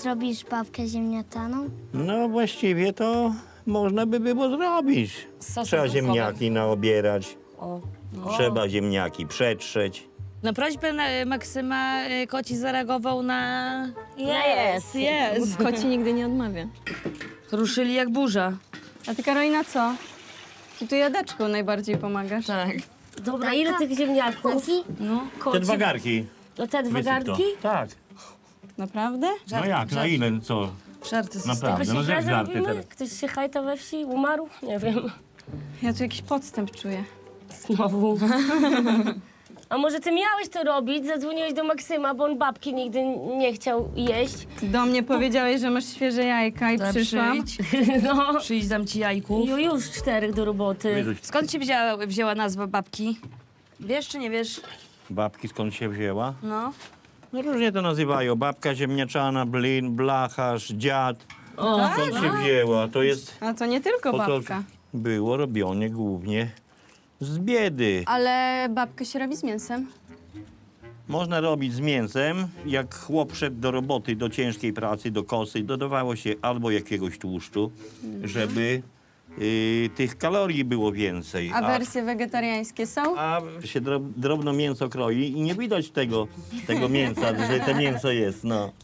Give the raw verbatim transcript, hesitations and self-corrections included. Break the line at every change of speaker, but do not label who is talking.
zrobisz babkę ziemniaczaną?
No właściwie to można by było zrobić.
Z sosem
Trzeba
sosowym.
ziemniaki naobierać,
O.
trzeba ziemniaki przetrzeć.
Na prośbę na, Maksyma y, koci zareagował na...
Jest.
Jest.
Koci nigdy nie odmawia.
Ruszyli jak burza.
A ty, Karolina, co? Ty tu jadeczką najbardziej pomagasz.
Tak.
Dobra, ile tych ziemniaków?
Koci?
No.
Te dwa garki.
No te dwa
wysyp to.
garnki?
Tak.
Naprawdę?
No jak, na ile, co?
Żarty z
Naprawdę,
Ktoś
no
imprezę
jak żarty
robimy?
teraz.
Ktoś się hajta we wsi? Umarł? Nie wiem.
Ja tu jakiś podstęp czuję.
Znowu. A może ty miałeś to robić? Zadzwoniłeś do Maksyma, bo on babki nigdy nie chciał jeść.
Ty do mnie powiedziałeś, że masz świeże jajka i
To
przyszłam.
Przyjdź,
No.
przyjdź, dam ci jajku.
Ju, już czterech do roboty.
Wyrzuć.
Skąd ci wzięła, wzięła nazwa babki? Wiesz czy nie wiesz?
Babki skąd się wzięła?
No.
No różnie to nazywają. Babka ziemniaczana, blin, blacharz, dziad. Skąd się wzięła? To jest...
A to nie tylko
po to
babka.
było robione głównie z biedy.
Ale babkę się robi z mięsem.
Można robić z mięsem. Jak chłop szedł do roboty, do ciężkiej pracy, do kosy, dodawało się albo jakiegoś tłuszczu, żeby y, tych kalorii było więcej.
A wersje wegetariańskie są?
a się drob, drobno mięso kroi i nie widać tego, tego mięsa, że to mięso jest, no.